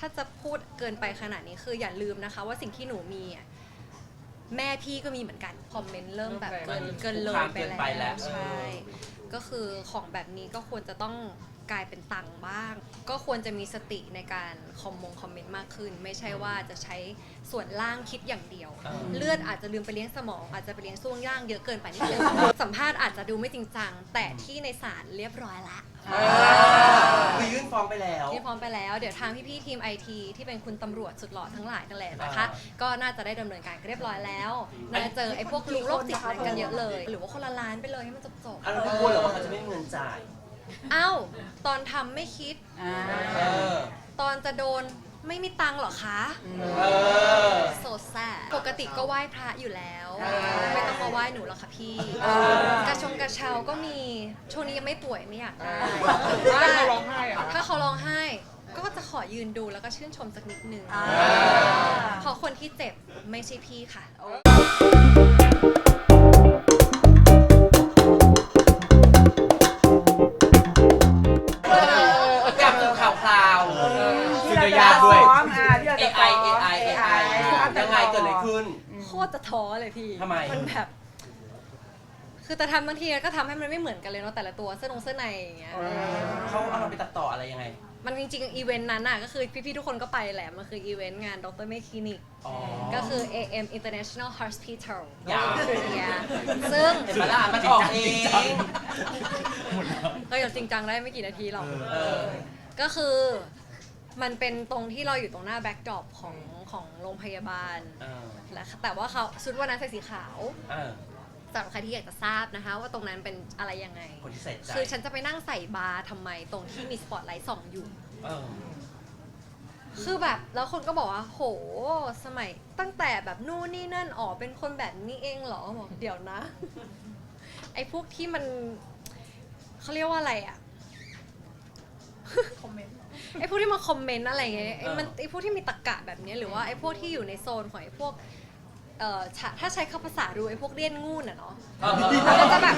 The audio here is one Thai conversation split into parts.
าจะพูดเกินไปขนาดนี้คืออย่าลืมนะคะว่าสิ่งที่หนูมีแม่พี่ก็มีเหมือนกันคอมเมนต์เริ่มแบบเกินเลยไปแล้วใช่ก็คือของแบบนี้ก็ควรจะต้องกลายเป็นตังค์บ้างก็ควรจะมีสติในการคอมเมนต์มากขึ้นไม่ใช่ว่าจะใช้ส่วนล่างคิดอย่างเดียวเลือดอาจจะลืมไปเลี้ยงสมองอาจจะไปเลี้ยงช่วงล่างเยอะเกินไปนิดนึงสัมภาษณ์อาจจะดูไม่จริงจังแต่ที่ในศาลเรียบร้อยละคือยื่นฟ้องไปแล้วยื่นฟ้องไปแล้วเดี๋ยวทางพี่ๆทีม IT ที่เป็นคุณตำรวจสุดหล่อทั้งหลายนั่นแหละนะคะก็น่าจะได้ดำเนินการเรียบร้อยแล้วน่าจะเจอไอ้พวกลุกโรคจิตอะไรกันเยอะเลยหรือว่าคนละล้านไปเลยให้มันจบเราไม่กลัวหรอว่าเขาจะไม่มีเงินจ่ายเอ้าตอนทำไม่คิดตอนจะโดนไม่มีตังค์หรอคะโซแซ่ปกติก็ไหว้พระอยู่แล้วไม่ต้องมาไหว้หนูหรอกค่ะพี่กระเช้าก็มีช่วงนี้ยังไม่ป่วยไม่อยากได้ถ้าเขาร้องไห้อะถ้าเขาร้องไห้ก็จะขอยืนดูแล้วก็ชื่นชมสักนิดนึงเพราะคนที่เจ็บไม่ใช่พี่ค่ะยากด้วย AI ยังไงเกิดอะไรขึ้นโคตรจะท้อเลยพี่ทำไมมันแบบคือแต่ทำบางทีก็ทำให้มันไม่เหมือนกันเลยเนาะแต่ละตัวเสื้อในอย่างเงี้ยเขาเอาเราไปตัดต่ออะไรยังไงมันจริงๆอีเวนต์นั้นน่ะก็คือพี่ๆทุกคนก็ไปแหละมันคืออีเวนต์งานดรเมคลินิกก็คือ AM International Hospital ซึ่งมาล่ามันออกเองก็ยังจริงจังได้ไม่กี่นาทีหรอกก็คือมันเป็นตรงที่เราอยู่ตรงหน้าแบ็คดรอปของโรงพยาบาลแต่ว่าเขาชุดวันนั้นใส่สีขาวสำหรับใครที่อยากจะทราบนะคะว่าตรงนั้นเป็นอะไรยังไงคือฉันจะไปนั่งใส่บาร์ทำไมตรงที่มีสปอตไลท์ส่องอยู่คือแบบแล้วคนก็บอกว่าโหสมัยตั้งแต่แบบนู่นนี่นั่นอ๋อเป็นคนแบบนี้เองเหรอบอกเดี๋ยวนะไอ้พวกที่มันเขาเรียกว่าอะไรอะคอมเมนต์ไอ้พวกที่มาคอมเมนต์อะไรเงี้ยไอ้พวกที่มีตรรกะแบบนี้หรือว่าไอ้พวกที่อยู่ในโซนของไอ้พวกถ้าใช้คำภาษาดูไอ้พวกเลี่ยนงูนอะเนาะมันก็จะแบบ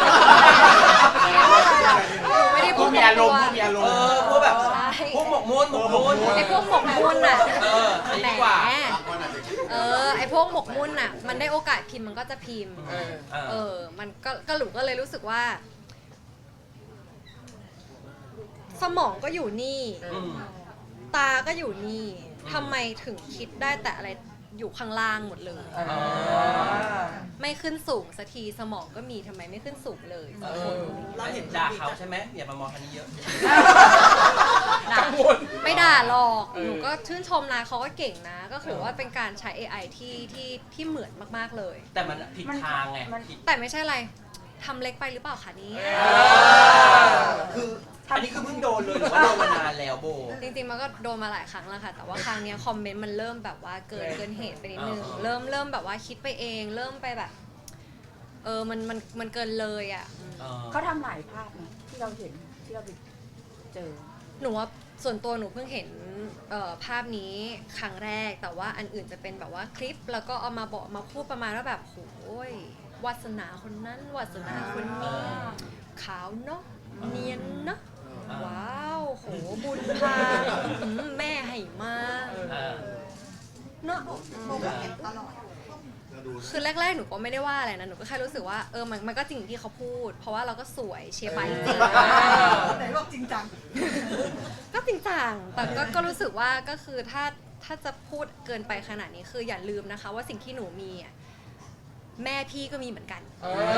ไม่ได้พูดมีอารมณ์พวกแบบพวกหมกมุ่นไอ้พวกหมกมุ่นอะดีกว่าไอ้พวกหมกมุ่นอะมันได้โอกาสพิมพ์มันก็จะพิมพ์มันก็หลูก็เลยรู้สึกว่าสมองก็อยู่นี่ตาก็อยู่นี่ทำไมถึงคิดได้แต่อะไรอยู่ข้างล่างหมดเลยไม่ขึ้นสูงสักทีสมองก็มีทำไมไม่ขึ้นสูงเลยเราเห็นด่าเขาใช่ไหมอย่ามามองคันนี้เยอะไม่ด่าหรอกหนูก็ชื่นชมนะเขาก็เก่งนะก็ถือว่าเป็นการใช้ AI ที่เหมือนมากๆเลยแต่มันผิดทางไงแต่ไม่ใช่อะไรทำเล็กไปหรือเปล่าคะนี้คืออันนี้คือเพิ่งโดนเลยหรือว่าโดนมานานแล้วโบจริงๆมันก็โดนมาหลายครั้งแล้วค่ะแต่ว่าครั้งนี้คอมเมนต์มันเริ่มแบบว่าเกินเหตุไปนิดนึงเริ่มแบบว่าคิดไปเองเริ่มไปแบบมันเกินเลยอ่ะเขาทำหลายภาพนะที่เราเห็นที่เราไปเจอหนูว่าส่วนตัวหนูเพิ่งเห็นภาพนี้ครั้งแรกแต่ว่าอันอื่นจะเป็นแบบว่าคลิปแล้วก็เอามาบอกมาพูดประมาณว่าแบบโอ้ยวาสนาคนนั้นวาสนาคนนี้ขาวเนาะเนียนเนาะว้าวโหบุญพาแม่ให้มาเนาะคือแรกๆหนูก็ไม่ได้ว่าอะไรนะหนูก็แค่รู้สึกว่ามันก็จริงที่เขาพูดเพราะว่าเราก็สวยเชียร์ไปจริงไหนบอกจริงจังก็จริงจังแต่ก็รู้สึกว่าก็คือถ้าจะพูดเกินไปขนาดนี้คืออย่าลืมนะคะว่าสิ่งที่หนูมีแม่พี่ก็มีเหมือนกัน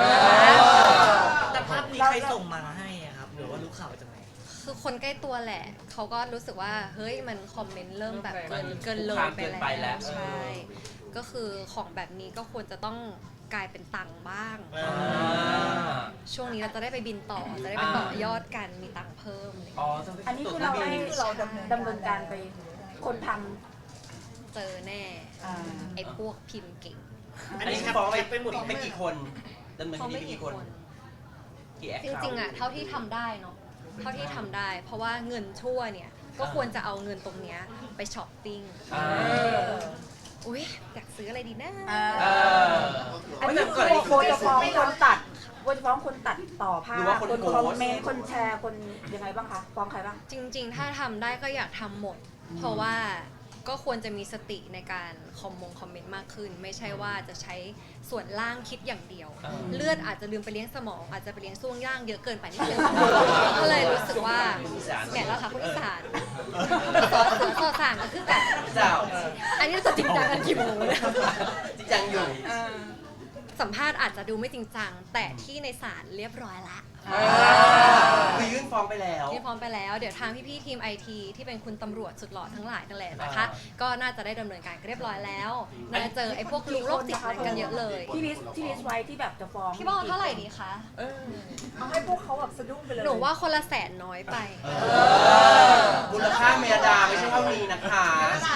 แต่ภาพนี้ใครส่งมาให้ครับหรือว่ารู้ข่าวจากไหนคือคนใกล้ตัวแหละเขาก็รู้สึกว่าเฮ้ยมันคอมเมนต์เริ่มแบบเกินเลยไปแล้วใช่ก็คือของแบบนี้ก็ควรจะต้องกลายเป็นตังค์บ้างช่วงนี้เราจะได้ไปบินต่อจะได้ไปต่อยอดกันมีตังค์เพิ่มอันนี้คือเราดำเนินการไปคนทำเจอแน่ไอ้พวกพิมพ์เก่งอันนี้ฟ้องไปหมดไม่กี่คนดำเนินคดีไปกี่คนจริงๆเท่าที่ทำได้เนาะเท่าที่ทำได้เพราะว่าเงินชั่วเนี่ยก็ควรจะเอาเงินตรงเนี้ยไปช้อปปิ้งอุ้ยอยากซื้ออะไรดีนะอันนี้โบจะฟ้องคนตัดโบจะฟ้องคนตัดต่อภาพคนคอมเมนต์คนแชร์คนยังไงบ้างคะฟ้องใครบ้างจริงๆถ้าทำได้ก็อยากทำหมดเพราะว่าก็ควรจะมีสติในการคอมเมนต์มากขึ้น ไม่ใช่ว่าจะใช้ส่วนล่างคิดอย่างเดียว เลือดอาจจะลืมไปเลี้ยงสมอง อาจจะไปเลี้ยงช่วงย่างเยอะเกินไปนิดนึงก็เลยรู้สึกว่าแก่แล้วค่ะคุณอีสานต่อสารก็คือแบบเจ้าอันนี้จะจริงจังกันกี่โมงเนี่ยจริงจังอยู่สัมภาษณ์อาจจะดูไม่จริงจัง แต่ที่ในศาลเรียบร้อยละคือยื่นฟ้องไปแล้วที่พร้อมไปแล้วเดี๋ยวทางพี่ๆทีม IT ที่เป็นคุณตำรวจสุดหล่อทั้งหลายนั่นแหละนะคะ ก็น่าจะได้ดำเนินการเรียบร้อยแล้วน่าจะเจอไอ้พวกลุงโรคจิตอะไรกันเยอะเลยที่ลิสต์ไว้ที่แบบจะฟ้องพี่บอลเท่าไหร่ดีคะเอาให้พวกเขาแบบสะดุ้งไปเลยหนูว่าคนละแสนน้อยไปมูลค่าเมียดาไม่ใช่เท่านี้นะคะใช่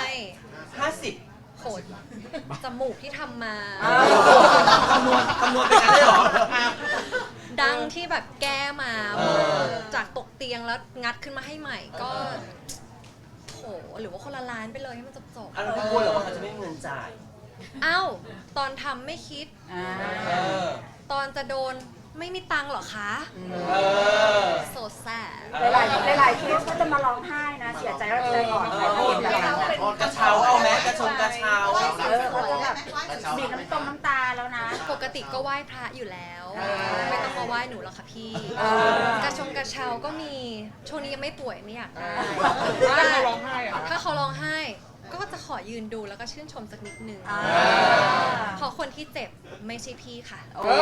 50 โหดจมูกที่ทำมาคำนวณเป็นกันได้หรอดังที่แบบแก้มาจากตกเตียงแล้วงัดขึ้นมาให้ใหม่ก็โหหรือว่าคนละล้านไปเลยให้มันจบอันนั้นกลัวเหรอว่าเขาจะไม่มีเงินจ่ายๆเอ้าตอนทำไม่คิดเออตอนจะโดนไม่มีตังค์เหรอคะเออโซแซดหลายเคสก็จะมาร้องไห้นะเสียใจแล้วใจอ่อนใจอ่อนแบบนั้นกระเช้าเอาไหมกระเช้าเขาจะแบบบีบน้ำตาแล้วนะปกติก็ไหว้พระอยู่แล้ว ไม่ต้องมาไหว้หนูหรอกค่ะพี่ กระเช้าก็มีช่วงนี้ยังไม่ป่วยไม่อยากได้ถ้าเขาร้องไห้อะถ้าเขาร้องไห้ก็จะขอยืนดูแล้วก็ชื่นชมสักนิดนึงเพราะคนที่เจ็บไม่ใช่พี่ค่ะ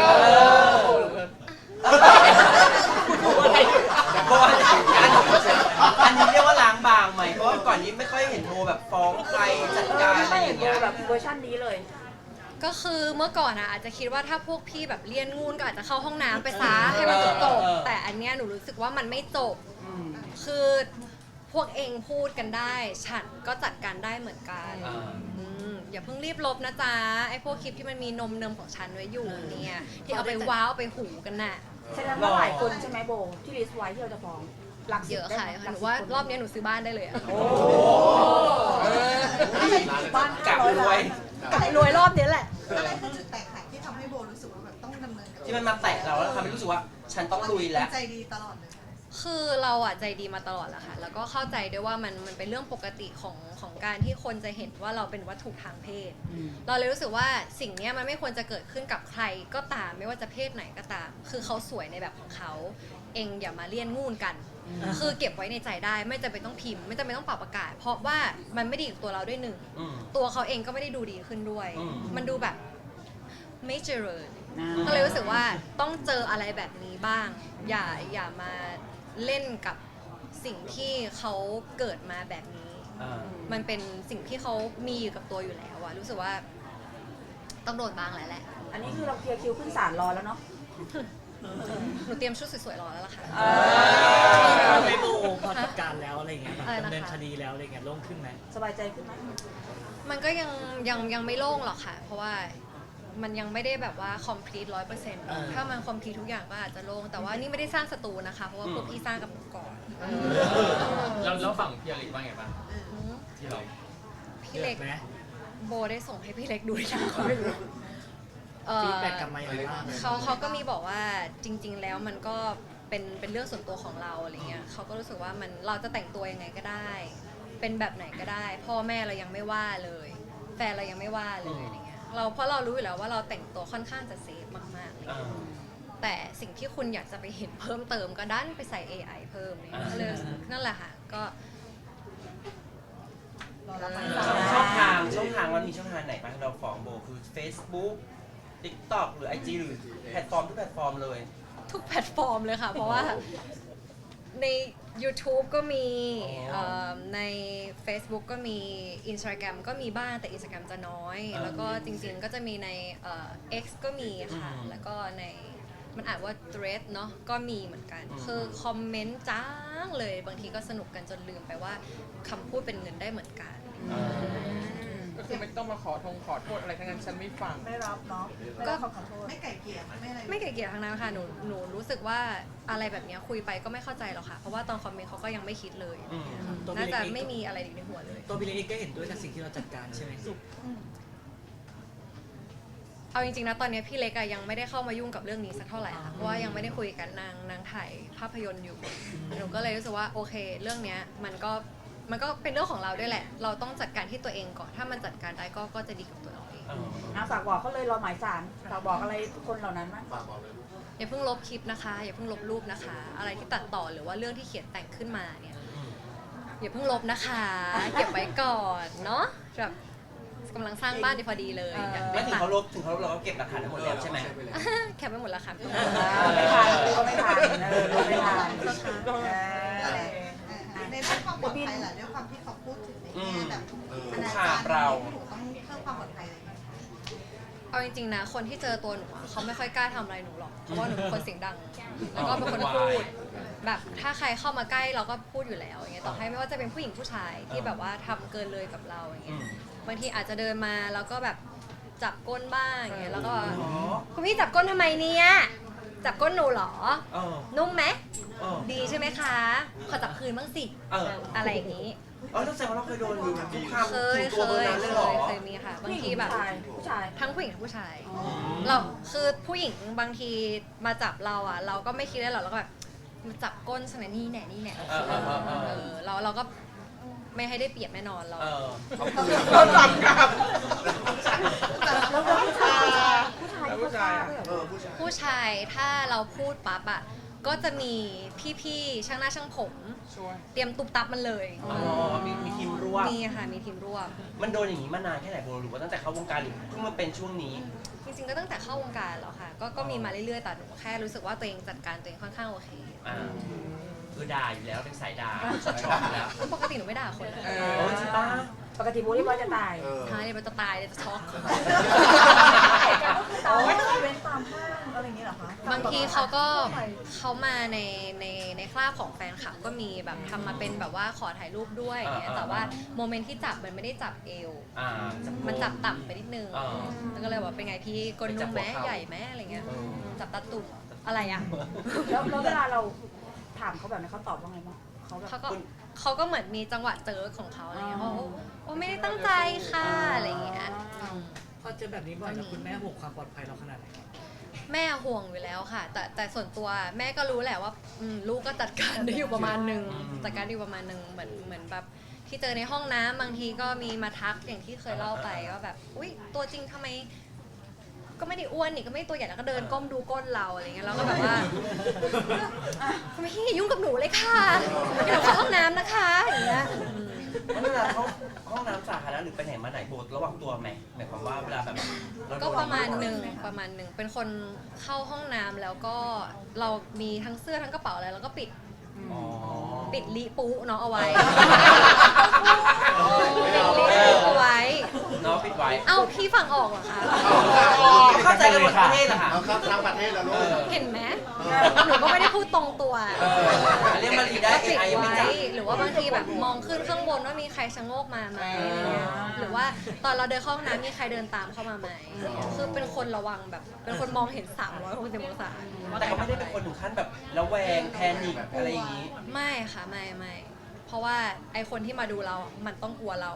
อันนี้เรียกว่าล้างบางไหมเพราะว่าก่อนนี้ไม่ค่อยเห็นโมแบบฟ้องใครจัดการอะไรอย่างเงี้ยแบบเวอร์ชันนี้เลยก็คือเมื่อก่อนอาจจะคิดว่าถ้าพวกพี่แบบเลี่ยนงูนก็อาจจะเข้าห้องน้ำไปซะให้มันจบๆแต่อันเนี้ยหนูรู้สึกว่ามันไม่จบ คือพวกเองพูดกันได้ ฉันก็จัดการได้เหมือนกันอย่าเพิ่งรีบลบนะจ๊ะไอ้พวกคลิปที่มันมีนมเนมของฉันไว้อยู่เนี่ยที่เอาไปว้าวเอาไปหูกันน่ะแสดงว่าหลายคนใช่ไหมโบที่ลิสต์ไว้ที่เราจะฟ้องหลักเยอะค่ะหนูว่ารอบนี้หนูซื้อบ้านได้เลยอะบ้านกะรวยรวยรอบนี้แหละอะไรคือจุดแตกหักที่ทำให้โบรู้สึกว่าแบบต้องดำเนินกับที่มันมาแตะเราแล้วทำให้รู้สึกว่าฉันต้องลุยแล้วใจดีตลอดเลยคือเราอะใจดีมาตลอดแหละค่ะ แล้วก็เข้าใจด้วยว่ามันเป็นเรื่องปกติของการที่คนจะเห็นว่าเราเป็นวัตถุทางเพศ เราเลยรู้สึกว่าสิ่งเนี้ยมันไม่ควรจะเกิดขึ้นกับใครก็ตามไม่ว่าจะเพศไหนก็ตาม คือเขาสวยในแบบของเขาเองอย่ามาเลี่ยนงูนกัน คือเก็บไว้ในใจได้ไม่จำเป็นต้องพิมพ์ไม่จำเป็นต้องปรับประกาศ เพราะว่ามันไม่ดีกับตัวเราด้วยหนึ่ง ตัวเขาเองก็ไม่ได้ดูดีขึ้นด้วย มันดูแบบไม่เจริญ ก็เลยรู้สึกว่าต้องเจออะไรแบบนี้บ้าง อย่ามาเล่นกับสิ่งที่เขาเกิดมาแบบนี้ มันเป็นสิ่งที่เขามีอยู่กับตัวอยู่แล้วอะรู้สึกว่าต้องโดนบ้างแหละอันนี้คือเราเคลียร์คิวขึ้นศาลรอแล้วเนาะหนูเตรียมชุดสวยๆรอแล้วล่ะค่ะไม่โบพอจัดการแล้วอะไรเงี้ยแบบอะไรนะคะดำเนินคดีแล้วอะไรเงี้ยโล่งขึ้นไหมสบายใจขึ้นไหมมันก็ยังไม่โล่งหรอกค่ะ เพราะว่ามันยังไม่ได้แบบว่า complete 100%ถ้ามัน complete ทุกอย่างก็อาจจะโล่งแต่ว่านี่ไม่ได้สร้างศัตรูนะคะ เพราะว่าพวกพี่สร้างกับหนูก่อนแล้วฝั่งพี่อลิกว่าไงบ้างที่เราพี่เล็กไหมโบได้ส่งให้พี่เล็กดูหรือยังเขาไม่รู้ฟีดแบ็กกลับมาอย่างไรบ้างเขาก็มีบอกว่าจริง ๆ แล้วมันก็เป็นเรื่องส่วนตัวของเราอะไรเงี้ยเขาก็รู้สึกว่าเราจะแต่งตัวยังไงก็ได้ เป็นแบบไหนก็ได้ พ่อแม่เรายังไม่ว่าเลย แฟนเรายังไม่ว่าเลยอะไรเงี้ยเพราะเรารู้อยู่แล้วว่าเราแต่งตัวค่อนข้างจะเซฟมากๆเลยแต่สิ่งที่คุณอยากจะไปเห็นเพิ่มเติมก็ดันไปใส่ AI เพิ่มเนี่ยก็เลยนั่นแหละค่ะก็ช่องทางมันมีช่องทางไหนบ้างที่เราฟ้องโบคือ Facebook TikTok หรือ IG หรือแพลตฟอร์มทุกแพลตฟอร์มเลยทุกแพลตฟอร์มเลยค่ะ เพราะว่าใน YouTube ก็มีใน Facebook ก็มี Instagram ก็มีบ้างแต่ Instagram จะน้อย แล้วก็จริงๆก็จะมีในX ก็มีค่ะ แล้วก็ในมันอ่านว่า thread เนาะก็มีเหมือนกัน คือคอมเมนต์จ้างเลยบางทีก็สนุกกันจนลืมไปว่าคำพูดเป็นเงินได้เหมือนกันก็คือไม่ต้องมาขอโทษอะไรทั้งนั้นฉันไม่ฟังไม่รับเนาะก็ขอโทษไม่ไก่เกลี่ยไม่อะไรไม่เกลียดทางนั้นค่ะหนูรู้สึกว่าอะไรแบบนี้คุยไปก็ไม่เข้าใจหรอกค่ะ เพราะว่าตอนคอมเมนต์เขาก็ยังไม่คิดเลย น่าจะไม่มีอะไรอยู่ในหัวเลยตัวพี่เล็กก็เห็นด้วยกับสิ่งที่เราจัดการใช่ไหมเอาจริงๆนะตอนนี้พี่เล็กอะยังไม่ได้เข้ามายุ่งกับเรื่องนี้สักเท่าไหร่ค่ะเพราะว่ายังไม่ได้คุยกันนางถ่ายภาพยนตร์อยู่หนูก็เลยรู้สึกว่าโอเค เรื่องเนี้ยมันมันก็เป็นเรื่องของเราด้วยแหละ เราต้องจัดการที่ตัวเองก่อนถ้ามันจัดการได้ก็จะดีกับตัวเราเองฝากบอกเขาเลยรอหมายสารฝากบอกอะไรคนเหล่านั้นมั้ยอย่าเพิ่งลบคลิปนะคะ อย่าเพิ่งลบรูปนะคะ อะไรที่ตัดต่อหรือว่าเรื่องที่เขียนแต่งขึ้นมาเนี่ยอย่าเพิ่งลบนะคะ เก็บไว้ก่อนเนาะแบบกำลังสร้างบ้านดีพอดีเลยอยากไม่ถึงตัดเขาลบเราก็เก็บหลักฐานทั้งหมดแล้วใช่ไหมแคปไปหมดแล้วค่ะไม่ทันก็ไม่ทันไม่ทันในเรื่องความปลอดภัยล่ะด้วยความที่เขาพูดถึงในแง่แบบอนาจารย์หนูต้องเพิ่มความปลอดภัยอะไรอย่างเงี้ยเอาจริงๆนะคนที่เจอตัวหนูอะเขาไม่ค่อยกล้าทำอะไรหนูหรอกเพราะว่าหนูเป็นคนเสียงดัง แล้วก็เป็นคนพูดแบบถ้าใครเข้ามาใกล้เราก็พูดอยู่แล้วอย่างเงี้ยต่อให้ไม่ว่าจะเป็นผู้หญิงผู้ชายที่แบบว่าทำเกินเลยกับเราอย่างเงี้ยบางทีอาจจะเดินมาแล้วก็แบบจับก้นบ้างอย่างเงี้ยแล้วก็คุณพี่จับก้นทำไมเนี่ยจับก้นหนูเหรอนุ่มไหมดีใช่ไหมคะขอจับคืนบ้างสิอะไรอย่างงี้ต้องแสดงว่าเราเคยโดนคุกคามเคถึงตัวเบอร์นั้นเลยเหรอเคยมีค่ะบางทีแบบผู้ชายทั้งผู้หญิงทั้งผู้ชายเราคือผู้หญิงบางทีมาจับเราอ่ะ เราก็ไม่คิดได้หรอกเราก็แบบมาจับก้นฉันนะนี่แน่นี่แน่เราก็ไม่ให้ได้เปรียบแน่นอนเราเราจับกับแล้วผู้ชายผู้ชายผู้ชายถ้าเราพูดปั๊บอ่ะก็จะมีพี่ๆช่างหน้าช่างผมช่วยเตรียมตุบตับมันเลยมีทีมร่วมมีค่ะมีทีมร่วมมันโดนอย่างนี้มานานแค่ไหนโบหรือว่าตั้งแต่เข้าวงการหรือเพิ่งมาเป็นช่วงนี้จริงๆก็ตั้งแต่เข้าวงการแล้วค่ะก็มีมาเรื่อยๆแต่หนูแค่รู้สึกว่าตัวเองจัดการตัวเองค่อนข้างโอเคคือด่าอยู่แล้วเป็นสายด่าชอบอยู่แล้วปกติหนูไม่ด่าคนเลยจริงป่ะปกติบูลลี่ว่าจะตายใช่เลยมันจะตายเลยจะช็อกตามเว้นตามห้างอะไรอย่างเงี้ยเหรอคะบางทีเขามาในคราบของแฟนคลับก็มีแบบทำมาเป็นแบบว่าขอถ่ายรูปด้วยอย่างเงี้ยแต่ว่าโมเมนต์ที่จับมันไม่ได้จับเอว มันจับต่ำไปนิดนึงแล้วก็เลยบอกเป็นไงพี่ก้นนุ่มไหมใหญ่ไหมอะไรเงี้ยจับตาตุ่มอะไรอ่ะแล้วเวลาเราถามเขาแบบนี้เขาตอบว่าไงบ้างเขาแบบเขาก็เหมือนมีจังหวะเจอของเขาอะไรเงี้ยเขาโอ้ไม่ได้ตั้งใจค่ะอะไรเงี้ยพอเจอแบบนี้บ่อยแล้วคุณแม่ห่วงความปลอดภัยเราขนาดไหนครับแม่ห่วงอยู่แล้วค่ะ แต่ส่วนตัวแม่ก็รู้แหละว่าลูกก็จัดการได้อยู่ประมาณนึงจัดการได้อยู่ประมาณนึงเหมือนแบบที่เจอในห้องน้ำบางทีก็มีมาทักอย่างที่เคยเล่าไปว่าแบบอุ๊ยตัวจริงทำไมก็ไม่ได้อ้วนนี่ก็ไม่ได้ตัวใหญ่แล้วก็เดินก้มดูก้นเราอะไรเงี้ยเราก็แบบว่าทำไมพี่ยุ่งกับหนูเลยค่ะเดี๋ยวเข้าห้องน้ำนะคะอย่างเงี้ยเวลาเขาห้องน้ำสาธารณะหรือไปไหนมาไหนโบระวังตัวไหมหมายความว่าเวลาแบบก็ประมาณหนึ่งเป็นคนเข้าห้องน้ำแล้วก็เรามีทั้งเสื้อทั้งกระเป๋าอะไรแล้วก็ปิดลิปูเนาะเอาไว้เอาไว้น้องปิดไว้เอ้าพี่ฟังออกเหรอคะเข้าใจกันหมดประเทศเหรอคะเราเข้าทั้งประเทศแล้วลูกเห็นไหมหนูก็ไม่ได้พูดตรงตัวเรียกมารีได้ก็ปิด AI ยังไม่ไว้จับหรือว่าบางทีแบบมองขึ้นข้างบนว่ามีใครชะโงกมาไหมอะไรเงี้ยหรือว่าตอนเราเดินเข้าห้องน้ำมีใครเดินตามเข้ามาไหมคือเป็นคนระวังแบบเป็นคนมองเห็น360องศาว่าแต่ใครเขาไม่ได้เป็นคนถึงขั้นแบบระแวงแพนิคอะไรอย่างนี้ไม่ค่ะไม่เพราะว่าไอคนที่มาดูเรา มันต้องกลัวเรา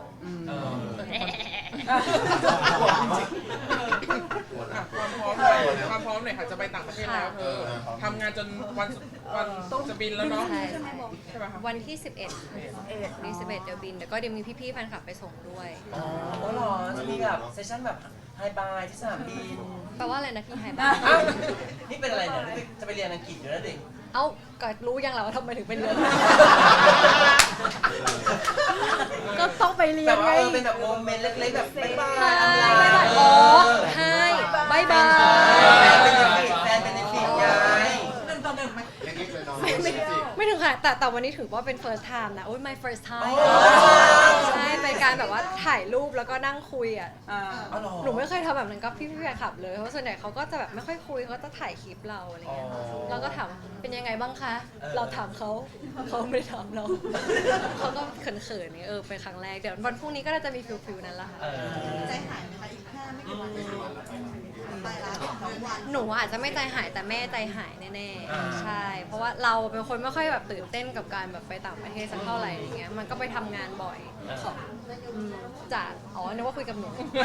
ความพร้อมหน่อยค่ะจะไปต่างประเทศแล้วเธอทำงานจนวันจะบินแล้วเนาะใช่ใช่ไหมคะวันที่ 11วันที่11เดี๋ยวบินเดี๋ยวก็เดี๋ยวมีพี่ๆแฟนคลับไปส่งด้วยอ๋อเหรอจะมีแบบเซสชั่นแบบไฮบายที่สนามบินแปลว่าอะไรนะพี่ไฮบ้าอ้าวนี่เป็นอะไรเนี่ยนี่จะไปเรียนอังกฤษอยู่แล้วเด็กเอ้าก็รู้ยังเราว่าทำไมถึงเป็นเรือนก็ต้องไปเรียแบนบไงว่าเป็นแบบโมเมนต์เล็กๆแบบบ๊ายบายบ๊ายบายโอ้ใช่บายบายแฟนเป็นในฟีดไง 1-1ไหมเล็กๆเลยน้องไม่ถึงค่ะแต่วันนี้ถือว่าเป็น first time นะโอ้ย my first time ใช่เป็นการแบบว่าถ่ายรูปแล้วก็นั่งคุยอ่ะ หนูไม่เคยทำแบบนั้นกับพี่แฟนคลับเลยเพราะส่วนใหญ่เขาก็จะแบบไม่ค่อยคุยเขาจะถ่ายคลิปเราอะไรเงี้ยเราก็ถามเป็นยังไงบ้างคะเราถามเขาไม่ได้ถามเราเขาก็เขินๆนี่เป็นครั้งแรกเดี๋ยววันพรุ่งนี้ก็น่าจะมีฟิลนั้นละค่ะใจหายไหมคะอีก5ไม่กี่วันไปแล้ว2วันหนูอาจจะไม่ใจหายแต่แม่ใจหายแน่ๆใช่เพราะว่าเราเป็นคนไม่ค่อยแบบตื่นเต้นกับการแบบไปต่างประเทศสักเท่าไหร่อย่างเงี้ยมันก็ไปทำงานบ่อยจากนึกว่าคุยกับหนู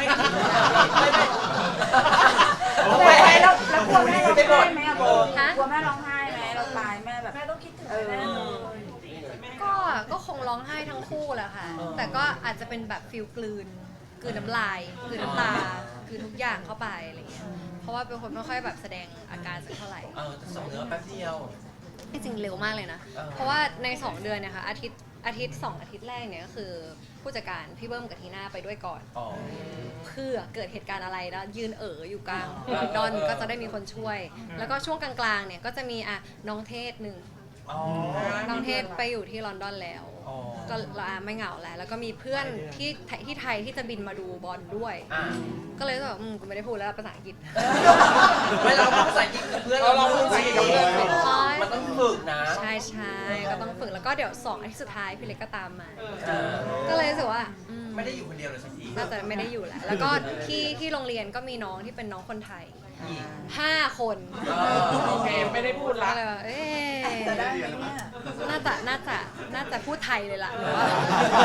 แล้วกลัวแม่ร้องไห้ไหมอะโบกลัวแม่ร้องไห้ไหมเราตายแม่แบบแม่ต้องคิดถึงแม่ก็คงร้องไห้ทั้งคู่แหละค่ะ แต่ก็อาจจะเป็นแบบฟิลกลืนน้ำลายกลืนน้ำตากลืนทุกอย่างเข้าไปอะไรเงี้ยเพราะว่าเป็นคนไม่ค่อยแบบแสดงอาการสักเท่าไหร่จะส่งเนื้อแป๊บเดียวจริงๆเร็วมากเลยนะ เพราะว่าใน 2 เดือนเนี่ยค่ะอาทิตย์ 2 อาทิตย์แรกเนี่ยก็คือผู้จัดการพี่เบิ้มกับทีน่าไปด้วยก่อน เพื่อเกิดเหตุการณ์อะไรแล้วยืนอยู่กลางลอนดอนก็จะได้มีคนช่วย แล้วก็ช่วงกลางๆเนี่ยก็จะมีน้องเทศหนึ่งน้องเทศไปอยู่ที่ลอนดอนแล้ว ก็ไม่เหงาแล้วก็มีเพื่อนที่ไทยที่จะบินมาดูบอลด้วย ก็เลยแบบกูไม่ได้พูดแล้วภาษาอังกฤษไม่เราพูดภาษาอังกฤษกับเพื่อนเราพูดภาษาอังกฤษกับเพื่อนมันต้องฝึกนะใช่ก็ต้องฝึกแล้วก็เดี๋ยว2 อาทิตย์สุดท้ายพี่เล็กก็ตามมาก็เลยรู้สึกว่าไม่ได้อยู่คนเดียวเลยสักทีน่าจะไม่ได้อยู่แล้วก็ที่โรงเรียนก็มีน้องที่เป็นน้องคนไทย5 คนโอเคไม่ได้พูดละก็เลยว่าจะได้ไหมเนี่ยน่าจะพูดไทยเลยล่ะหรือว่าก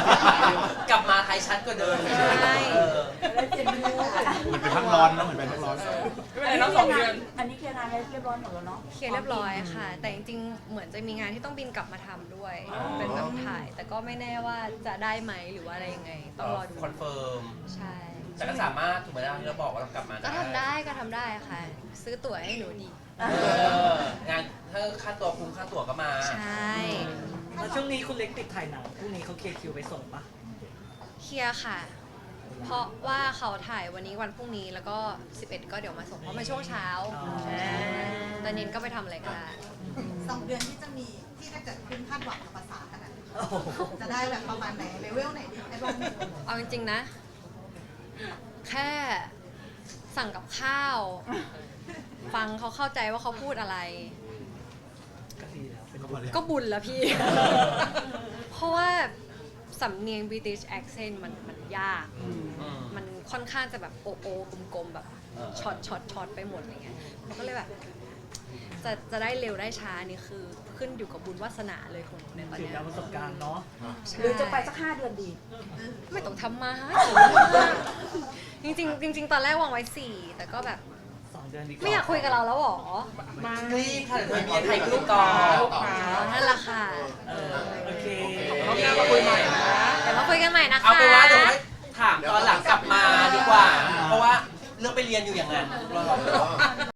ลับมาไทยชัดกว่าเดิมใช่ได้เจนนี่เหมือนเป็นพักร้อนนะเหมือนเป็นพักร้อนไม่เป็นไรน้อง2 เดือนอันนี้เคลียร์งานเรียบร้อยหมดแล้วเนาะเคลียร์เรียบร้อยค่ะ แต่จริงๆเหมือนจะมีงานที่ต้องบินกลับมาทำด้วย เป็นแบบถ่าย แต่ก็ไม่แน่ว่าจะได้ไหมหรือว่าอะไรยังไงต้องรอดูคอนเฟิร์มใช่แต่ก็สามารถถูกไหมล่ะที่เราบอกว่าเรากลับมาก็ทำได้ค่ะ ซื้อตั๋วให้หนูดีงานถ้าค่าตัวคุ้มค่าตั๋วก็มาใช่แล้วช่วงนี้คุณเล็กติดถ่ายหนังพรุ่งนี้เขาเคลียร์คิวไปส่งปะเคลียร์ค่ะ เพราะว่าเขาถ่ายวันนี้วันพรุ่งนี้แล้วก็ 11 ก็เดี๋ยวมาส่งเพราะมันช่วงเช้าตอนเย็นก็ไปทำอะไรก็ได้ 2 เดือนที่จะมีที่ถ้าเกิดคุณคาดหวังกับภาษาขนาดนี้จะได้แบบประมาณไหนเลเวลไหนดีไอ้บ้างเอาจริงๆนะ แค่สั่งกับข้าว ฟังเขาเข้าใจว่าเขาพูดอะไรก็ดีแล้วเป็นก็บุญแล้วพี่ เพราะว่าสำเนียง British accent มันยาก มันค่อนข้างจะแบบโอกลมๆแบบช็อตไปหมดอะไรเงี้ยเราก็เลยแบบจะได้เร็วได้ช้านี่คือขึ้นอยู่กับบุญวาสนาเลยของหนูในตอนถือเนี้ยดาวประสบการณ์เนาะหรือจะไปสัก5 เดือนดีไม่ต้องทำมาจริงๆตอนแรกวางไว้ 4 แต่ก็แบบ 2 เดือนดีกว่าไม่อยากคุยกับเราแล้วหรอรีบค่ะเดี๋ยวเมียไทยกรุ๊ปก่อนนั่นแหละค่ะโอเครอบหน้ามาคุยใหม่นะเดี๋ยวมาคุยกันใหม่นะคะเอาไปนว่าเดี๋ยวให้ถามตอนหลังกลับมาดีกว่า เพราะว่าเลือกไปเรียนอยู่อย่างนั้น